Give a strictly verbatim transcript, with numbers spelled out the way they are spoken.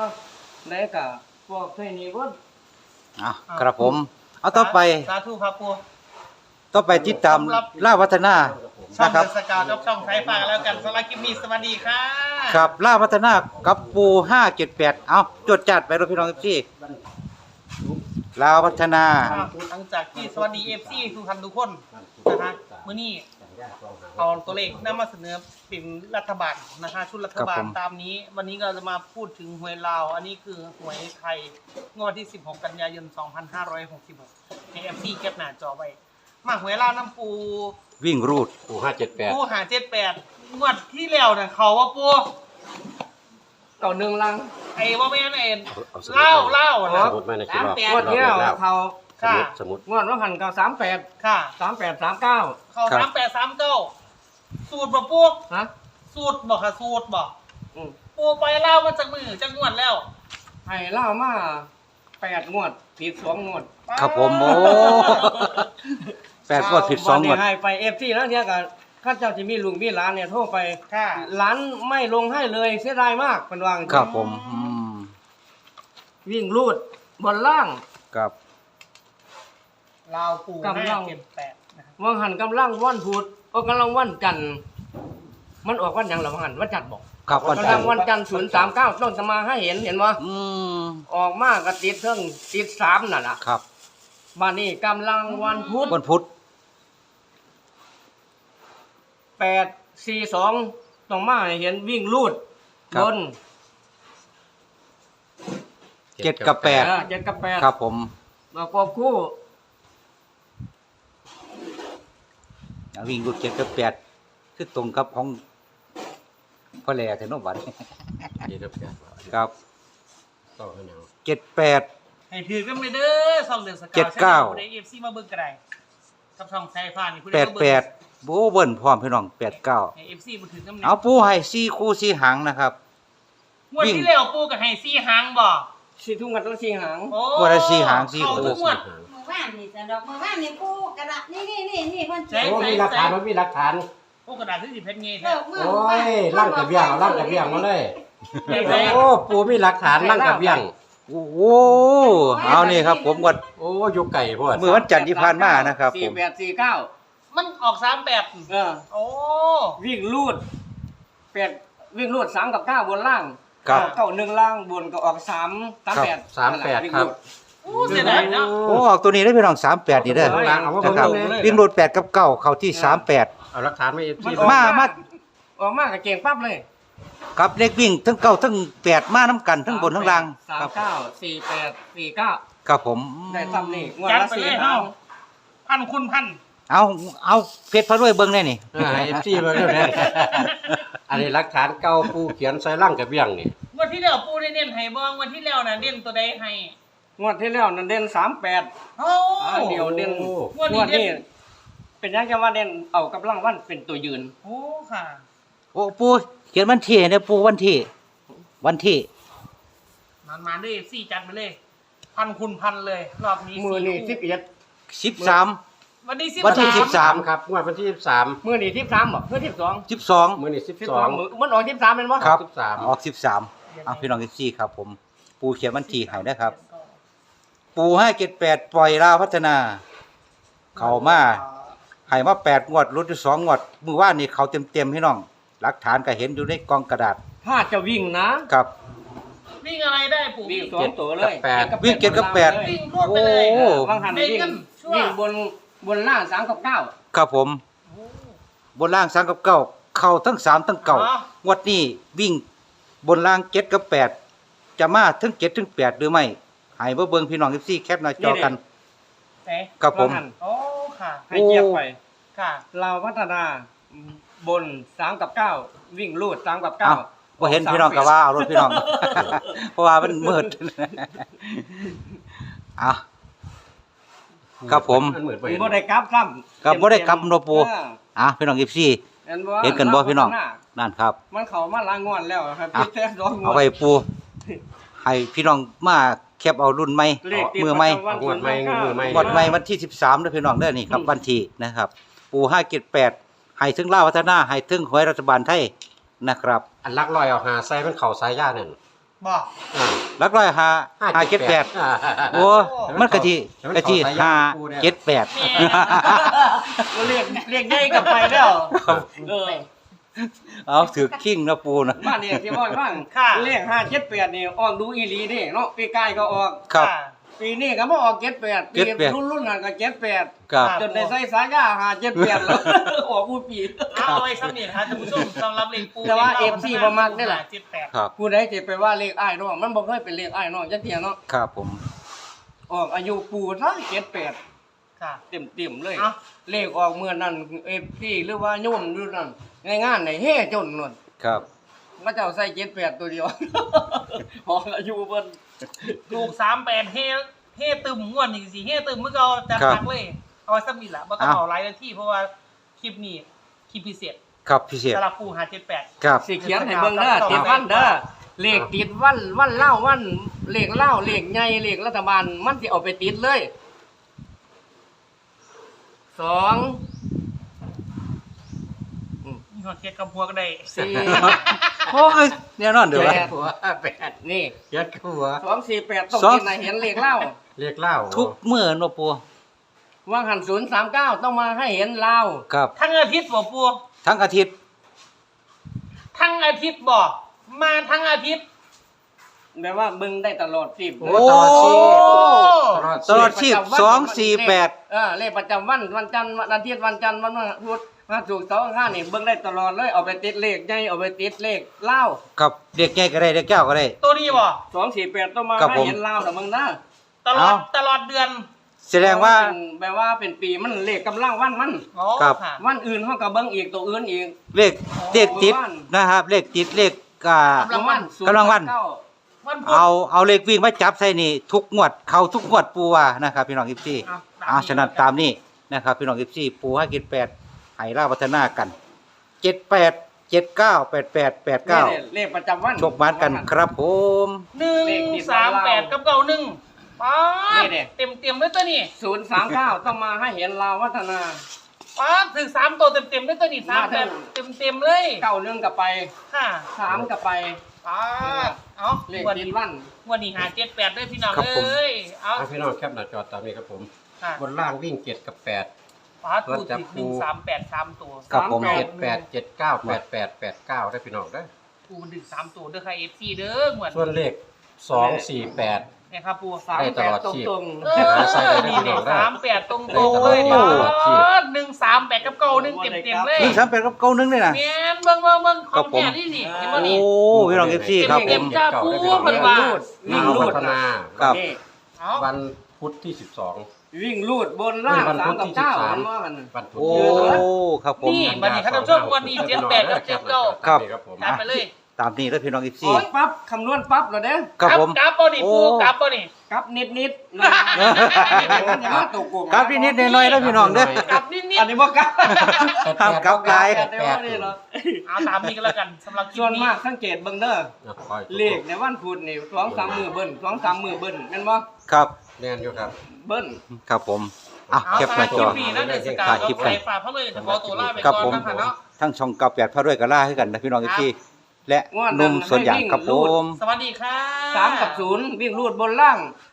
ได้กับพวกเทนี้ก็อ่ะครับผมเอาต่อไปสาธุครับปูต่อไปติดตามล่าวัฒนาช่องนะครับเดอะสกาวกับช่องไทยฟ้าแล้วกันสำหรับคลิปนี้สวัสดีค่ะครับล่าวัฒนากับปูห้าเจ็ดแปดเอาจดจัดไปรถพี่น้องพี่ลาวพัฒนาหลังจากที่สวัสดีเอฟซีทุกท่านทุกคนนะคะมื้อนี้เอาตัวเลขนำมาเสนอเป็นรัฐบาลนะคะชุดรัฐบาลตามนี้วันนี้เราจะมาพูดถึงหวยลาวอันนี้คือหวยไทยงวดที่สิบหกกันยายนสองพันห้าร้อยหกสิบหกใน เอฟ ซี แคปหน้าจอไว้มาหวยลาวน้ำปูวิ่งรูดปูห้าเจ็ดแปดปูหาเจ็ดแปดงวดที่แล้วน่ะเขาว่าปูเก่าหนึ่งลังไอ้ว่าแม่นไอ้เล่าเล่าสมุดไม่ในคิดงวดเนี้ยเขาค่ะสมุดงวดว่าหันเก่าสามแปดค่ะสามแปดสามเก้าเขาสามแปดสามเก้าสูตรบ่ปูฮะสูตรบอกค่ะสูตรบอกปูไปเล่ามาจากมือจากงวดแล้วให้เล่ามาแปดงวดผิดสองงวดครับผมโอ้แปดงวดผิดสองงวดให้ไปเอฟซีแล้วเนี่ยกันข้าเจ้าที่มีลุงมีหลานเนี่ยโทรไปหลานไม่ลงให้เลยเสียดายมากเป็นวางครับผมวิ่งรูดบนล่างครับลาวปูกำลังเก็บแปดวางหันกำลังวันพุธโอ้กำลังวันจันทร์มันออกวันยังหรือวางหันวันจันทร์บอกครับวันจันทร์วันจันทร์ศูนย์สามเก้าต้องจะมาให้เห็นเห็นว่าออกมากระติดเครื่องติดสามนั่นแหละครับมานี่กำลังวันพุธวันพุธแปดสี่สองต้องมาให้เห็นวิ่งลูดบนเจ็ดกับแปดเจ็ดกับแปดครับผมประกอบคู่วิ่งลูดเจ็ดกับแปดคือตรงกับของพ่อแหล่เทนวันครับเจ็ดแปดให้ถือกันไปเด้อสองเดือนสกาวเจ็ดเก้าในเอฟซีมาเบิ่งกระไดกับช่องไทยฟ้านี่แปดแปดโบเบิ้ลพร้อมพี่น้องแปดเก้าเอฟซีมาถือกันเอาปูให้สี่คู่สี่หางนะครับงวดที่แล้วปูกับให้สี่หางบ่สี่ทุ่งกันต้องสี่หางโอ้ได้สี่หางสี่คู่งวดมือว่านนี่จะดอกมือว่านนี่ปูกระดาษนี่นี่นี่นี่คนโอ้มีหลักฐานมันมีหลักฐานปูกระดาษที่สิเพชรเงี้ยโอ้ยลั่งกระเบี้ยงลั่งกระเบี้ยงมาเลยโอ้ปูมีหลักฐานลั่งกระเบี้ยงโอ้โหเอานี่ครับผมกดโอ้ยุกไก่พวกเมื่อวันจันทร์ที่ผ่านมานะครับสี่แปดสี่เก้ามันออกสามแปดเออโอ้วิ่งลูดแปดวิ่งลูดสามกับเก้าบนล่างเก้าหนึ่งล่างบนก็ออกสามสามแปดสามแปดครับโอ้เสียดายเนาะโอ้ออกตัวนี้ได้พี่น้องสามแปดนี่ได้นะครับวิ่งลูดแปดกับเก้าเข้าที่สามแปดเอาหลักฐานไม่มามาออกมากกับเก่งปั๊บเลยกับเลขวิ่งทั้งเก้าทั้งแปดมาน้ำกันทั้งบนทั้งล่างสามเก้าสี่แปดสี่เก้าครับผมได้ซ้ำนี่งวดละสี่หางพันคุณพันเอาเอาเพชรพระรวยเบิ้งได้นี่เอฟซีมาแล้วเนี่ยอันนี้หลักฐานเก่าปูเขียนใส่ร่างกระเบี้ยงนี่งวดที่แล้วปูได้เน้นให้บ้างวันที่แล้วน่ะเน้นตัวใดให้งวดที่แล้วนั่นเด่นสามแปดโอ้เดี๋ยวเด่นงวดนี้เป็นยังจะว่าเด่นเอากับร่างวันเป็นตัวยืนโอ้ค่ะโอ้ปูเขียนวันที่เนี่ยปูวันที่วันที่มันมาด้วยสี่จัดไปเลยพันคุณพันเลยรอบนี้มือนี่สิบเอ็ดสิบสามวันนี้วันที่สิบสามครับงวดวันที่สิบสามมือนี่สิบสามบ่เมื่อสิบสองสิบสองมือนี่สิบสองมันออกสิบสามเป็นว่าครับออกสิบสามเอาพี่น้องเอฟซีครับผมปูเขียนวันที่ให้นะครับปูให้เจ็ดแปดปล่อยลาวพัฒนาเข้ามาให้มาแปดงวดลดอยู่สองงวดมือว่านี่เขาเต็มเต็มพี่น้องหลักฐานก็เห็นอยู่ในกองกระดาษถ้าจะวิ่งนะครับวิ่งอะไรได้ปู่วิ่งสองตัวเลยวิ่งเจ็ดกับแปดวิ่งรวดไปเลยบางหันวิ่งวิ่งบนบนล่างสามกับเก้าครับผมบนล่างสามกับเก้าเข้าทั้งสามทั้งเก้างวดนี้วิ่งบนล่างเจ็ดกับแปดจะมาทั้งเจ็ดทั้งแปดหรือไม่ให้เบิ่งพี่น้องเอฟซีแคปหน้าจอกันครับผมโอ้ค่ะให้เกียบไปค่ะเราพัฒนาบนสามกับเก้าวิ่งลูดสามกับเก้าพอเห็นพี่น้องก็ว่าเอารถพี่น้องเพราะว่ามันมืดอ่ะครับผมบ่ได้กลับซ้ำครับบ่ได้กลับโนปูอ่ะพี่น้องเอฟซีเห็นกันบ่พี่น้องนั่นครับมันเข้ามาล้างงอนแล้วครับพี่แท้ร้องงอนเอาไปปูให้พี่น้องมาแคปเอารุ่นใหม่มือใหม่งวดใหม่มือใหม่งวดใหม่วันที่สิบสามเด้อพี่น้องเด้อนี่ครับวันที่นะครับปูห้าเจ็ดแปดให้ถึงลาวพัฒนาให้ถึงหวยรัฐบาลไทยนะครับอันลักลอยเอาหาใส่มันเข่าสายย่านั่นบอกอ่าหลักร้อยห้าห้าเจ็ดแปดอ่าโอ้มันกะทิกะทิห้าเจ็ดแปดเรียกเรียกใหญ่กลับไปแล้วเออเอาถือคิงนะปูนะบ้านเนี่ยที่ว่าบ้างค่ะเลขห้าเจ็ดแปดนี่ออกดูอีหลีนี่เนาะปีกายก็ออกครับค่ะปีนี้ก็มาออกเจ็ดแปดปีเจ็ดแปดรุ่นรุ่นนั้นก็เจ็ดแปดครับจนได้ใส่สายาหาเจ็ดแปดแล้ว ออกผู้ปีเอาเอาไว้ซ้ำนี่นะคะท่านผู้ชมสำหรับเลขปูแต่ว่า เอฟซีบ่มักนี่แหละเจ็ดแปดครับผู้ใดจะไปว่าเลขอ้ายเนาะมันบ่เคยเป็นเลขอ้ายเนาะจังเที่ยเนาะครับผมออกอายุปู่ซะเจ็ดแปดค่ะเต็มเต็มๆเลยเอ้าเลขออกเมื่อนั้นเอฟซีหรือว่าโยมอยู่นั่นในงานไหนเฮ่จนนู่นครับพระเจ้าใส่เจ็ดแปดตัวเดียว ออกอายุเพิ่นถูกสามแปดเฮเฮตึมงวดนี่สิเฮตึมเมื่อเราจะพักเลย เอาไว้สักนิดละบ่ต้องเอาหลายนาทีเพราะว่าคลิปนี้คลิปพิเศษครับพิเศษสำหรับปูหาเจ็ดแปดครับสิเขียนให้เบิ่งเด้อติดวันเด้อเลขติดวันวันเล่าวันเลขเล่าเลขใหญ่เลขรัฐบาลมันสิเอาไปติดเลยสองมีหัวเคสกับหัวก็ได้สี่โอ้ยแน่นอนเดี๋ยวแปวะดหัวแปดนี่เจ็ดหัวสองสี่แปดต้องสองกินไหนเห็นเลขเล่าเรียกเล่าทุกเมื่อเนาะปูว่างหันศูนย์สามเก้าต้องมาให้เห็นเล่าครับทั้งอาทิตย์บ่ปูทั้งอาทิตย์ทั้งอาทิตย์บ่มาทั้งอาทิตย์แปลว่ามึงได้ตลอดสิบโอ้ตลอดชีพตลอดตลอดชีพสองสี่แปดเออเลขประจำวันวันจันทร์วันอาทิตย์วันจันทร์วันพุธมาถูกสองห้านี่เบิ่งได้ตลอดเลยเอาไปติดเลขใหญ่เอาไปติดเลขเล่ากับเด็กใหญ่ก็ได้เด็กเจ้าก็ได้ตัวนี้บ่สองสี่แปดต้องมาครับให้ผมเห็นเล่าแต่มึงนะตลอดเอ้าตลอดเดือนแสดงว่าเป็นแปลว่าเป็นปีมันเลขกำลังวันมันอ๋อครับค่ะวันอื่นเขาก็เบิ่งอีกตัวอื่นอีกเลขเลขติดนะครับ เลขติดเลขอ่ากำลังวันกำลังวันเก้าวันพุธเอาเอาเลขวิ่งมาจับใส่นี่ทุกงวดเข้าทุกงวดปูว่านะครับพี่น้องอีซี่เอาตามนี้อ่าฉะนั้นตามนี้นะครับพี่น้องอีซี่ปูให้กินแปดไห้ล่าพัฒนากันเจ็ดแปดเจ็ดเก้าแปดแปดแปดเก้านี่เลขประจำวันชกบ้านกันครับผมหนึ่งเลขติดสามแปดเรากับเก้าหนึ่งป๊านี่ดดิเต็มเต็มๆเลยตัวนี้ศูนย์สามเก้าต้องมาให้เห็นลาววัฒนาป๊าดถึงสามตัวเต็มเต็มๆเลยตัวนี้สามแปดเต็มเต็มๆเลยเก้าเรื่องกับไปค่ะสามกับไปป๊าดเอาเลขวันตินี้ดวันวันนี้หาเจ็ดแปดด้วยพี่น้องครับผมเอ้ยเอาอ่ะพี่น้องแคปหน้าจอตามนี้ครับผมค่ะบนล่างวิ่งเจ็ดกับแปดป๊าดถูกติดหนึ่งสามแปดสามตัวครับผมสามเจ็ดแปดเจ็ดเก้าแปดแปดแปดเก้าได้พี่น้องได้อปูดึงสามตัวเด้อค่ะเอฟซีเด้อเหมือนส่วนเลขสองสี่แปดเนี่ยครับปูสามได้ตแปลดอดตรงชีพตรงเออนี่เนี่ยสามแปดตรงตรงๆเลยโอ้ป๊าดหนึ่งสามแปดกับเก้าหนึ่งเต็มเต็มๆเลยหนึ่งสามแปดกับเก้าหนึ่งเลยนะแม่นเบิ่งเบิ่งเบิ่งขครัอบ งผมแท้นี่นี่เห็นบ่โอ้นี่พี่น้องอีซี่ครับผเต็มมๆจ้าปูเพิ่นวิ่งว่าลูดวิ่งลาวลูพัดฒนาครับนี่เอาวันพุธที่สิบสองวิ่งลูดบนล่างวันสาพุมธกับที่สิเก้าบสามเห็นว่ากันวันพุธโอ้ครับผมนี่บัดนี้ท่านผู้ชมวันนี้เจ็ดแปดกับเจ็ดเก้าครับครับผมจัดไปเลยตามนี้แล้วพี่น้องอีโอ้ซี่ยปั๊บคำนวณปั๊บเหรอเด้อครับผมกลับบ่นี่โอ้ปูกลับบ่นี่กลับนิดนิดๆนะอย่ามาตกกลุ่มครับนิดๆหน่อยๆแล้วพี่น้องเด้อกลับนิดอันนี้บ่กลับห้ามกลับไกลแต่เดี๋ยวว่านี่เหรอๆเอาตามนี้ก็แล้วกันสำหรับคลิปส่วนนี้มากสังเกตเบิ่งเด้อนะคอยเลขในวันพุธนี่สองสามมือเบิ้ลสองสามมือเบิ้ลแม่นบ่ครับแน่นอยู่ครับเบิ้ลครับผมอ่ะเอาเก็บหน้าคจลิอปนี้นะเดือนสกาวถ่ายคลิก็ปไปกันฝากเขาเลยจะขอตัวลาไปครับก่อผนมนะคะเนาะทั้งช่องเก่าแปดพระด้วยกับล่าให้กันนะพี่น้องอีซี่และหนุ่มสวนยางครับผมสวัสดีค่ะสามกับศูนย์วิ่งรูดบนล่าง